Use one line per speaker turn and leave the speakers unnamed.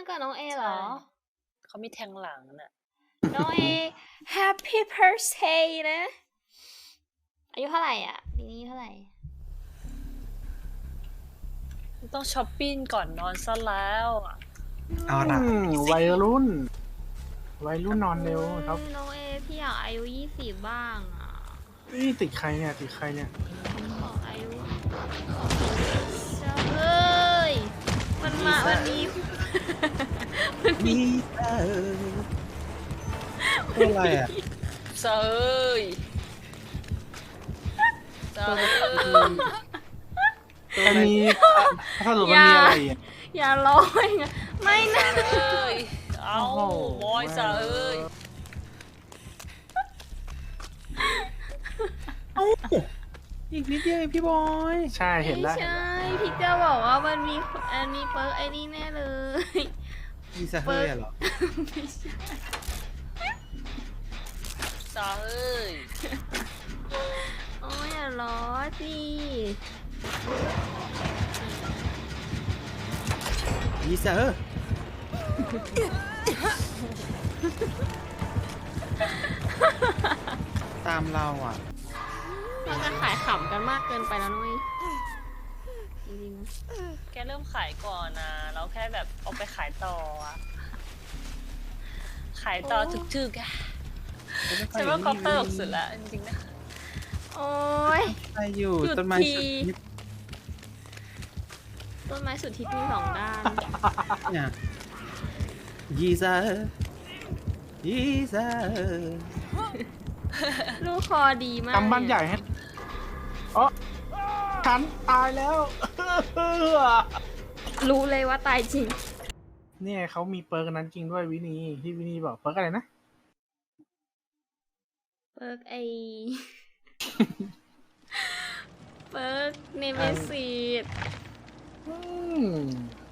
เกิดน้องเอเหรอ
เขามีแทงหลังน่ะ
น้องเอ Happy Birthday นะ อายุเท่าไหร่อ่ะปีนี้เท่าไหร่
ต้องช้อปปิ้งก่อนนอนซะแล้วอะ
เอาละ
วัยรุ่นนอนเร็วครับ
น้องเอพี่อยากอายุ20บ้างอ่ะ
นี่ติดใครเนี่ยติดใครเนี่ย
บอกอายุจะเอ้ยมันมาวันนี้
มีอะไรอ่ะ
เซยเซย
อันนี้ถ้าสรุปมันมีอะไรอ่ะ
อย่าร้องนะไม่นะ
เอ้ยเอา
โอ้โห
บอยเซย
อีกนิดเดียวเองพี่บอย
ใช่เห็น
ไม่
แล้ว
ใช่พี่จะบอกว่ามันมีเปิร์กไอ้นี่แน่เลย
มีสะเฮ้ยเหรอ
ไม่ใช่
เซย
โอ้ยอย่าล้อสิ
มีสะเฮ้ยตามเราอ่ะ
เราจะขายขำกันมากเกินไปแล้วนุ้ยจริงๆนะ
แกเริ่มขายก่อนนะเราแค่แบบเอาไปขายต่ออะขายต่อถึกๆอะฉันว่าเขาตลกสุดละจริงๆนะ
โอ้ย
ใครอยู่
หยุด
ต้นไม้
ที
สุดฮิต
ต้นไม้สุดทิศมีสองด้าน
เนี่ยยีซายีซา
ลูกคอดีมาก
กำบ้านใหญ่ให้อ๋อฉันตายแล้ว
รู้เลยว่าตายจริง
เนี่ยเขามีเปิร์กนั้นจริงด้วยวินีที่วินีบอกเปิร์กอะไรนะ
เปิร์กไอ เปิร์กเนเมซิส
อืม